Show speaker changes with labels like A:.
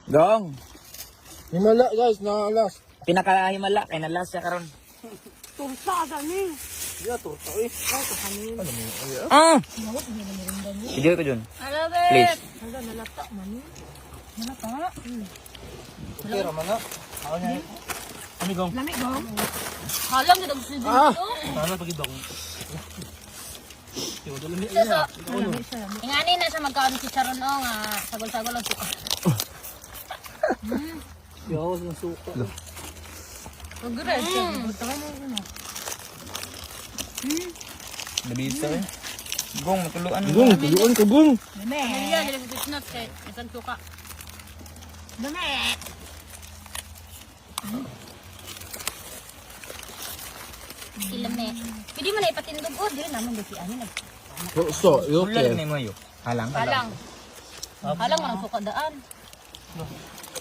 A: Gong.
B: Himala guys, nakalas.
A: Pinakahimala kay nalas siya karon.
C: Tursa gani.
B: Yeah, turta eh.
A: Video ko dun.
C: Hello, babe.
A: Please.
C: Hello, nalata man. Nalata?
B: Okay, Ramana. Ako niya. Ano gong?
C: Lamig ba? Halang gid ang sidyo.
B: Sana pagidong.
C: Ingani na sa magkaon si Charon o nga sagol-sagol ang suka.
B: Yawas ng suka.
C: Pag-red siya. Butawan mo yun.
A: Nabisa eh. Gong, matuluan mo.
B: Gong, tuluan ka gong.
C: Dami. Pamilya, nila sa pitnot kay isang suka. Dami. Ilame. Pwede mo na ipatindog o. Dili naman dito ano.
B: So,
A: Ulan
B: okay.
A: na mo yun. Halang.
C: Halang. Halang mo ang suka daan.